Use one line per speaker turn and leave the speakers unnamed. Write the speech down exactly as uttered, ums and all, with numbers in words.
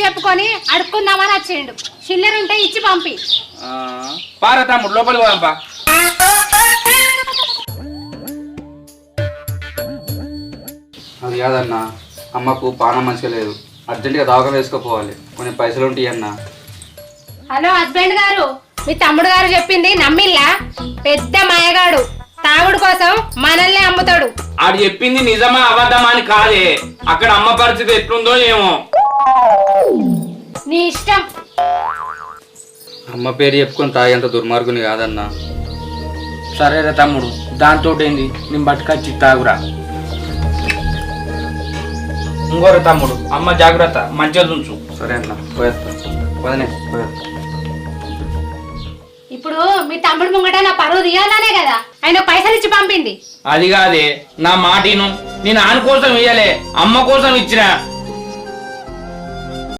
చెప్పుకొని అడుక్కుందామని వచ్చిండు. చిల్లర ఉంటే ఇచ్చి పంపి.
పారా తమ్ముడు లోపలికి పోదాంపా.
అది కాదన్నా, అమ్మకు పానం మంచిగా లేదు, అర్జెంటుగా దవాఖాన వేసుకోపోవాలి, కొన్ని పైసలు ఉంటాయి అన్న.
హలో హస్బెండ్ గారు, మీ తమ్ముడు గారు చెప్పింది నమ్మిల్లా? పెద్ద మాయగాడు, తాగుడు కోసం మనల్ని అమ్ముతాడు.
ఆడు చెప్పింది నిజమా అబద్ధమా అని కాదే, అక్కడ అమ్మ పరిస్థితి ఎట్లుందో ఏమో.
నీ ఇష్టం.
అమ్మ పేరు చెప్పుకొని తాగేంత దుర్మార్గుని కాదన్నా.
సరేరా తమ్ముడు, దాంతో ఏంది, నేను బట్టుకొచ్చి తాగురా. ఇంకోరు తమ్ముడు, అమ్మ జాగ్రత్త, మంచిగా ఉంచు.
సరే అన్న, పోయేస్తా. వదనే పోయేస్తా.
ఇప్పుడు మీ తమ్ముడు ముంగట నా పరువు తీయాలనే కదా ఆయన పైసలు ఇచ్చి పంపింది.
అది కాదే, నా మాటిను, నేను ఆన కోసం ఇయ్యలే, అమ్మ కోసం ఇచ్చిన.